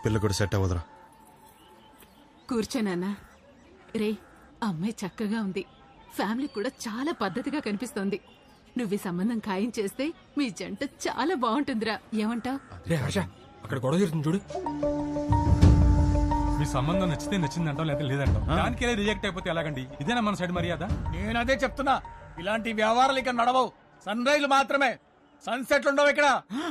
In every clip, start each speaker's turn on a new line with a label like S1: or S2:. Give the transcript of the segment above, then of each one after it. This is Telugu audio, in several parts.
S1: పిల్ల కూడా సెట్ అవ్వదురా.
S2: కూర్చోనన్నా. రే, అమ్మాయి చక్కగా ఉంది, ఫ్యామిలీ కూడా చాలా పద్ధతిగా కనిపిస్తోంది. నువ్వు ఈ సంబంధం ఖాయం చేస్తే మీ జంట చాలా బాగుంటుందిరా. ఏమంటావ్?
S3: రే హర్ష, అక్కడ గొడవ జరుగుతుంది చూడు.
S4: మీ సంబంధం నచ్చితే నచ్చిందంటాం, లేదా లేదంటాం. దానికే రిజెక్ట్ అయిపోతే ఎలాగండి? ఇదేనా మన సైడ్ మర్యాద?
S5: నేను అదే చెప్తున్నా, ఇలాంటి వ్యవహారాలు ఇక్కడ నడవవు. సన్ రైజ్ మాత్రమే, సన్సెట్లు ఉండవు ఇక్కడ.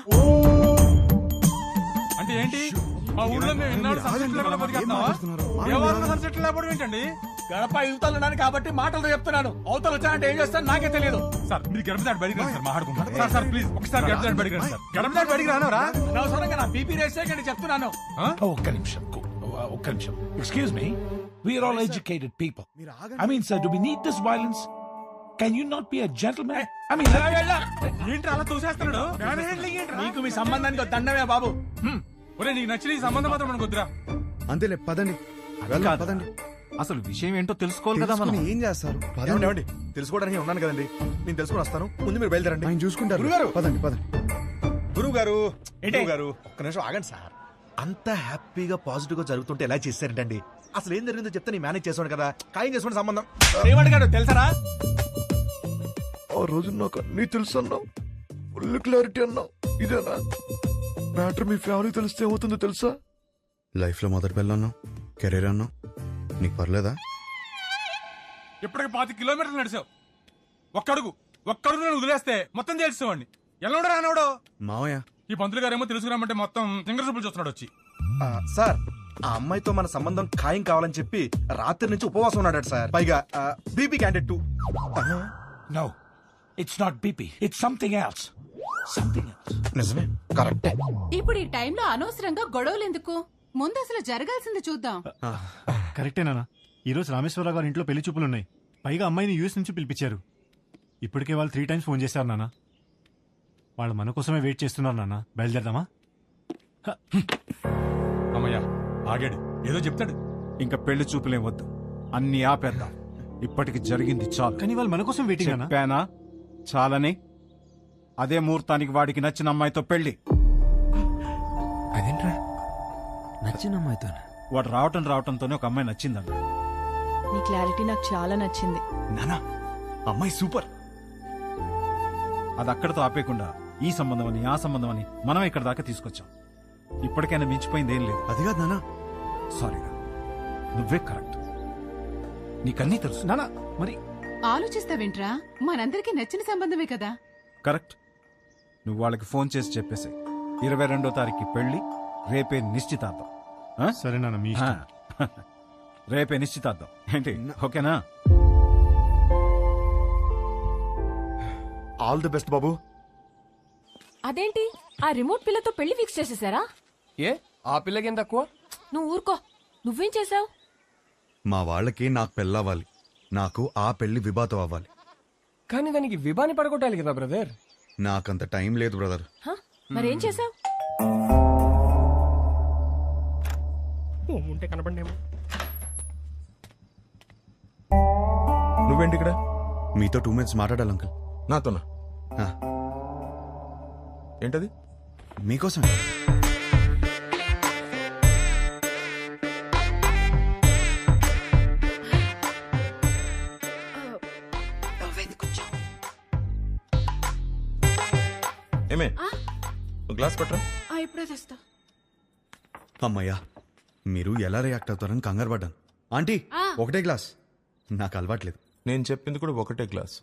S4: అంటే ఏంటి? మా ఊళ్ళో మేము ఇన్నాళ్ళు సన్సెట్ లేకుండా బతికేస్తున్నావా? ఎవరు సన్సెట్ లేకపోవడం ఏంటండి?
S5: గడప యువతలు కాబట్టి మాటలతో చెప్తున్నాను. అవతలు వచ్చానంటే ఏం చేస్తాను నాకే తెలియదు.
S4: సార్ మీరు గడప దాటి బయటికి రండి సార్, మాట్లాడుకుంటాం. సార్ సార్ ప్లీజ్ ఒకసారి గడప దాటి బయటికి రండి సార్. గడప దాటి బయటికి రానవరా?
S5: అనవసరంగా నా బీపీ రేస్ చేయకండి చెప్తున్నాను.
S6: ఒక్క నిమిషం. Excuse me. We are all educated people. I mean, sir, do we need this violence? Can you not be a gentleman? I mean,
S4: ఏంటి అలా తోసేస్తున్నాడు?
S5: నీకు మీ సంబంధానికి దండమే బాబు.
S4: ఒరే నీకు నచ్చిన ఈ సంబంధం మాత్రం మనకు వద్దురా.
S1: అంతేలే, పదండి పదండి.
S3: అసలు విషయం ఏంటో తెలుసుకోవాలి కదా మనం.
S1: ఏం చేస్తారు?
S7: ఏమండి తెలుసుకోవడానికి ఉన్నాను కదండి, నేను తెలుసుకుని వస్తాను. ముందు మీరు బయలుదేరండి.
S1: ఆయన చూసుకుంటారు.
S7: గురుగారు,
S1: పదండి పదండి.
S7: గురువు గారు ఒక్క నిమిషం ఆగండి సార్. అంత హ్యాపీగా పాజిటివ్ గా జరుగుతుంటే ఎలా చేశారంటండి? అసలు ఏం జరిగిందో చెప్తే నేను మేనేజ్ చేసాను కదా. ఖాయం చేసుకోండి సంబంధం.
S5: ఏమడిగాడు తెలుసరా?
S7: ఆ రోజు నాకు అన్నీ తెలుసు అన్నావు, ఫుల్ క్లారిటీ అన్నావు. ఇదేనా మ్యాటర్? మీ ఫ్యామిలీ తెలిస్తే ఏమవుతుందో తెలుసా?
S1: లైఫ్ లో మొదటి పిల్ల అన్నావు, కెరీర్ అన్నావు, నీకు పర్లేదా?
S4: ఇప్పటికి 25 కిలోమీటర్లు నడిచావు. ఒక్కడుగు నేను వదిలేస్తే మొత్తం తెలిసేవాడిని. ఎల్లవడో రానవడో
S1: మావయ్య,
S4: ఈ పంతులు గారేమో తెలుసుకురామంటే మొత్తం సింగర్ సూపులు చూస్తున్నాడు వచ్చి.
S7: సార్, ఆ అమ్మాయితో మన సంబంధం ఖాయం కావాలని చెప్పి రాత్రి నుంచి ఉపవాసం ఉన్నాడు సార్. పైగా BP candidate 2.
S6: no. It's not BP. It's something else. Something else.
S7: నిజమే, కరెక్టే.
S2: ఇప్పుడు ఈ టైంలో అనవసరంగా గొడవలు ఎందుకు? ముందు అసలు జరగాల్సింది చూద్దాం.
S8: కరెక్టేనా? ఈరోజు రామేశ్వరరావు గారి ఇంట్లో పెళ్లి చూపులున్నాయి. పైగా అమ్మాయిని యూఎస్ నుంచి పిలిపించారు. ఇప్పటికే వాళ్ళు 3 times ఫోన్ చేశారు నాన్న. వాళ్ళు మన కోసమే వెయిట్ చేస్తున్నారు నాన్న. బయలుదేరదామా?
S4: అమ్మయ్యా ఆగాడు, ఏదో చెప్తాడు.
S3: ఇంకా పెళ్లి చూపులేం వద్దు, అన్ని ఆపేద్దాం. ఇప్పటికి జరిగింది చాలు.
S8: కానీ వాళ్ళు మన కోసం వెయిటింగ్ అన్నా.
S3: చెప్పానా చాలని? అదే ముహూర్తానికి వాడికి నచ్చిన అమ్మాయితో పెళ్లి.
S9: అదేంట్రా నచ్చిన అమ్మాయితో?
S3: వాడు రావటంతోనే ఒక అమ్మాయి నచ్చిందన్న.
S10: నీ క్లారిటీ నాకు చాలా నచ్చింది
S3: నానా. అమ్మాయి సూపర్. అది అక్కడతో ఆపేయకుండా ఈ సంబంధం అని ఆ సంబంధం అని మనం ఇక్కడ దాకా తీసుకొచ్చాం. ఇప్పటికైనా మించిపోయింది ఏం లేదు.
S1: అది కాదు నాన్న.
S3: సారీగా, నువ్వే కరెక్ట్. నీకన్నీ తెలుసు
S8: నానా. మరి
S2: ఆలోచిస్తావేంట్రా? మనందరికీ నచ్చిన సంబంధమే కదా.
S3: కరెక్ట్. నువ్వు వాళ్ళకి ఫోన్ చేసి చెప్పేసాయి. 22వ తారీఖు పెళ్లి, రేపే నిశ్చితార్థం.
S8: సరే నాన్న, మీ ఇష్టం.
S3: రేపే నిశ్చితార్థం ఏంటి? ఓకేనా?
S7: ఆల్ ది బెస్ట్ బాబు.
S10: అదేంటి ఆ రిమోట్ పిల్లతో పెళ్లి ఫిక్స్ చేసేసారా?
S9: ఏ ఆ పిల్లకేం తక్కువ?
S10: నువ్వు ఊరుకో. నువ్వేం చేసావు?
S1: మా వాళ్ళకి నాకు పెళ్ళవ్వాలి, నాకు ఆ పెళ్లి విభాతం అవ్వాలి.
S9: కానీ దానికి విభాని పడగొట్టాలి కదా బ్రదర్.
S1: నాకంత టైం లేదు బ్రదర్.
S10: మరేం చేసావు?
S9: ఉంటే కనపడేమో.
S7: నువ్వేంటి ఇక్కడ?
S1: మీతో 2 minutes మాట్లాడాలి అంకుల్.
S7: నాతోనా? ఏంటది?
S1: మీకోసం.
S7: ఏమే గ్లాస్ పట్టరా.
S2: ఇప్పుడే తెస్తా.
S1: అమ్మయ్యా, మీరు ఎలా రియాక్ట్ అవుతారని కంగారు పడ్డాను. ఆంటీ, ఒకటే గ్లాస్. నాకు అలవాట్లేదు.
S7: నేను చెప్పింది కూడా ఒకటే గ్లాస్.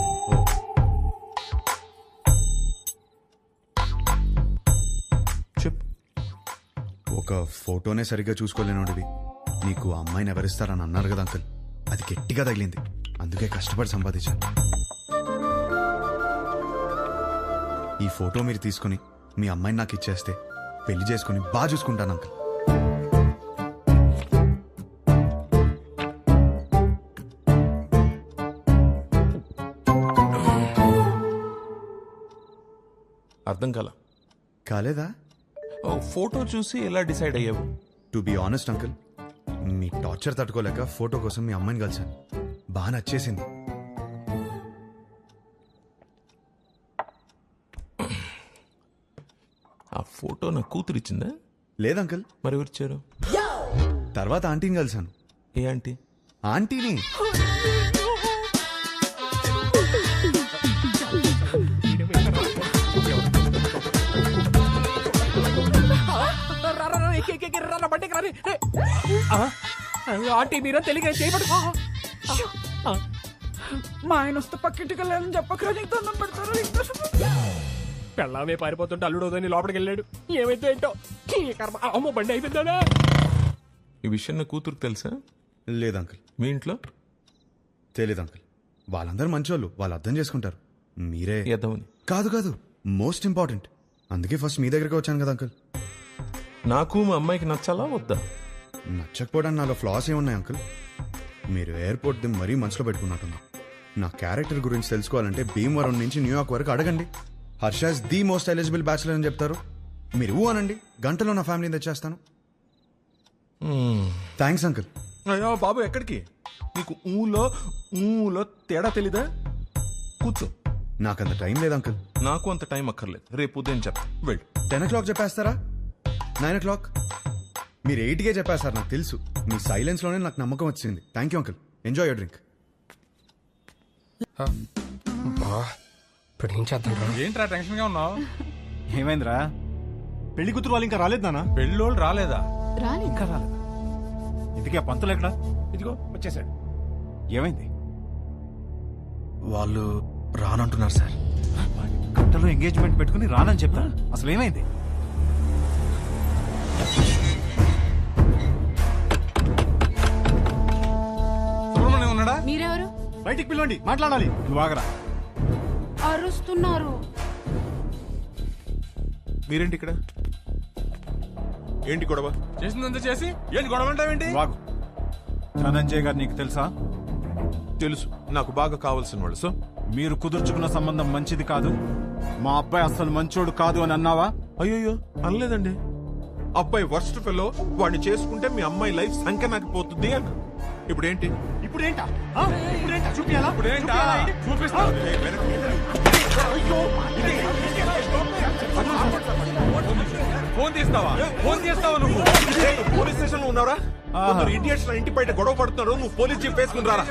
S7: చెప్పు.
S1: ఒక ఫోటోనే సరిగ్గా చూసుకోలేనోడివి నీకు అమ్మాయిని ఎవరిస్తారని అన్నారు కదా అంకుల్. అది గట్టిగా తగిలింది, అందుకే కష్టపడి సంపాదించాను. ఈ ఫోటో మీరు తీసుకుని మీ అమ్మాయిని నాకు ఇచ్చేస్తే పెళ్లి చేసుకుని బాగా చూసుకుంటాను అంకుల్.
S7: అర్థం
S1: కాలేదా?
S7: ఫోటో చూసి ఎలా డిసైడ్ అయ్యావు?
S1: టు బి ఆనెస్ట్ అంకుల్, మీ టార్చర్ తట్టుకోలేక ఫోటో కోసం మీ అమ్మాయిని కలిశాను. బాగా నచ్చేసింది.
S7: ఆ ఫోటో నా కూతురు ఇచ్చిందా?
S1: లేదు అంకుల్.
S11: మరి ఎవరు ఇచ్చారు?
S1: తర్వాత ఆంటీని కలిశాను.
S11: ఏ ఆంటీ?
S1: ఆంటీని.
S9: ఆంటీ మీరా తెలియక చేయబడు. మా ఆయన వస్తే పక్కింటికి వెళ్ళాలని చెప్పకరా, నీకు దండం పెడతారు. పెళ్ళామే పారిపోతుంటే అల్లుడు వదని లోపలికి వెళ్ళాడు. ఏమైతే ఏంటో ఈ కర్మ. అమ్మో బండి అయిపోయిందా?
S11: ఈ విషయం నా కూతురుకు తెలుసా?
S1: లేదు అంకుల్.
S11: మీ ఇంట్లో?
S1: తెలీదు అంకుల్. వాళ్ళందరూ మంచోళ్ళు, వాళ్ళు అర్థం చేసుకుంటారు. మీరే
S11: ఎదవని.
S1: కాదు కాదు, మోస్ట్ ఇంపార్టెంట్. అందుకే ఫస్ట్ మీ దగ్గరికి వచ్చాను కదా అంకుల్.
S11: నాకు మా అమ్మాయికి నచ్చాలా వద్దా?
S1: నచ్చకపోవడానికి నాలో ఫ్లాస్ ఏమున్నాయి అంకుల్? మీరు ఎయిర్పోర్ట్ ది మరీ మనసులో పెట్టుకున్నట్టున్నా. నా క్యారెక్టర్ గురించి తెలుసుకోవాలంటే భీమవరం నుంచి న్యూయార్క్ వరకు అడగండి. Harsha is the most eligible bachelor అని చెప్తారు. మీరు ఊ అనండి, గంటలో నా ఫ్యామిలీని తెచ్చేస్తాను. Thanks uncle.
S11: అయ్యో బాబు, ఎక్కడికి? నీకు ఊలో తేడా తెలీదా? కూర్చో.
S1: నాకంత టైం లేదు అంకుల్.
S11: నాకు అంత టైం అక్కర్లేదు, రేపు ఉదయం చెప్తా. వెళ్ళు.
S1: 10 o'clock చెప్పేస్తారా? 9 o'clock? మీరు 8కే చెప్పేస్తారు, నాకు తెలుసు. మీ సైలెన్స్లోనే నాకు నమ్మకం వచ్చింది. Thank you uncle. Enjoy your drink.
S9: ఇప్పుడు ఏం చేద్దాం?
S4: ఏంట్రా టెన్షన్ గా ఉన్నావు?
S3: ఏమైందిరా?
S8: పెళ్లి కూతురు వాళ్ళు ఇంకా రాలేదు నాన్న.
S4: పెళ్ళోళ్ళు రాలేదా?
S2: రాని
S3: ఇంకా రాలేదా? ఇంతకీ ఆ పంతులు ఎక్కడా?
S9: ఇదిగో వచ్చేసాడు.
S3: ఏమైంది?
S7: వాళ్ళు రానంటున్నారు సార్.
S3: గంటలో ఎంగేజ్మెంట్ పెట్టుకుని రానని చెప్తా. అసలు ఏమైంది?
S4: సుబ్రహ్మణ్యం ఉన్నాడా?
S2: మీరెవరు?
S8: బయటికి పిలవండి, మాట్లాడాలి.
S3: నువ్వు ఆగరా.
S2: అరుస్తున్నారు.
S11: మీరేంటి ఇక్కడ? ఏంటి గొడవ?
S4: చేసిందంతా చేసి ఏంటి గొడవ అంటావేంటి?
S3: వాగు. ధనంజయ్ గారు నీకు తెలుసా?
S11: తెలుసు, నాకు బాగా కావాల్సిన వాళ్ళు. సో
S3: మీరు కుదుర్చుకున్న సంబంధం మంచిది కాదు, మా అబ్బాయి అసలు మంచోడు కాదు అని అన్నావా?
S11: అయ్యో అనలేదండి. అబ్బాయి వర్స్ట్ ఫెలో, వాడిని చేసుకుంటే మీ అమ్మాయి లైఫ్ సంఖ్య నాకు పోతుంది అన్న. ఇప్పుడేంటి?
S8: ఇప్పుడేంటా? చూపియాలా?
S4: ఇప్పుడేంటా? చూపిస్తా. ఫోన్ తీస్తావా? ఫోన్ చేస్తావా నువ్వు?
S11: పోలీస్ స్టేషన్ లో ఉన్నారా? ఇండియన్స్ ఇంటి బయట గొడవ పడుతున్నాడు, నువ్వు పోలీస్ జీప్ వేసుకుని రారా.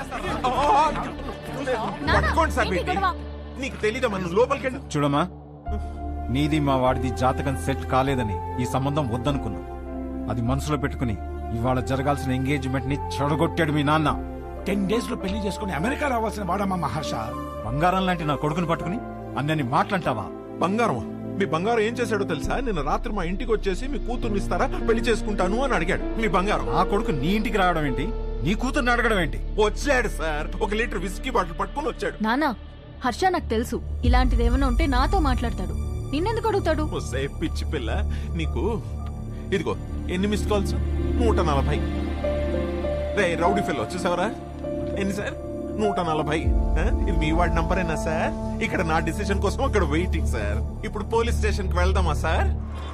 S11: పట్టుకోండి సార్. నీకు తెలీదా? మనం లోపలికి వెళ్ళి
S3: చూడమ్మా, నీది మా వాడిది జాతకం సెట్ కాలేదని ఈ సంబంధం వద్దనుకున్నా. అది మనసులో పెట్టుకుని ఇవాళ జరగాల్సిన ఎంగేజ్మెంట్ ని చెడగొట్టాడు మీ నాన్న.
S6: 10 days లో పెళ్లి చేసుకుని అమెరికా రావాల్సిన వాడమ్మా మహర్ష.
S3: బంగారం లాంటి నా కొడుకుని పట్టుకుని అన్నని మాట్లాంటావా?
S11: బంగారం? మీ బంగారం ఏం చేశాడో తెలుసా? నిన్న రాత్రి మా ఇంటికి వచ్చేసి మీ కూతుర్ని ఇస్తారా, పెళ్లి చేసుకుంటాను అని అడిగాడు. మీ బంగారం.
S3: ఆ కొడుకు నీ ఇంటికి రావడం ఏంటి? నీ కూతుర్ని అడగడం ఏంటి?
S11: వచ్చాడు సార్, 1 లీటర్ విస్కీ బాటిల్ పట్టుకుని వచ్చాడు.
S10: నానా, హర్ష నాకు తెలుసు ఇలాంటిది ఏమైనా ఉంటే నాతో మాట్లాడతాడు. నిన్నెందుకు అడుగుతాడు?
S11: పిచ్చి పిల్ల నీకు. ఇదిగో ఎన్ని మిస్ కాల్స్? 140. రే రౌడీ ఫెల్ వచ్చేసావరా? ఎన్ని సార్? 140. ఇది మీ వాడి నంబరేనా సార్? ఇక్కడ నా డిసిషన్ కోసం అక్కడ వెయిటింగ్ సార్. ఇప్పుడు పోలీస్ స్టేషన్ కి వెళ్దామా సార్?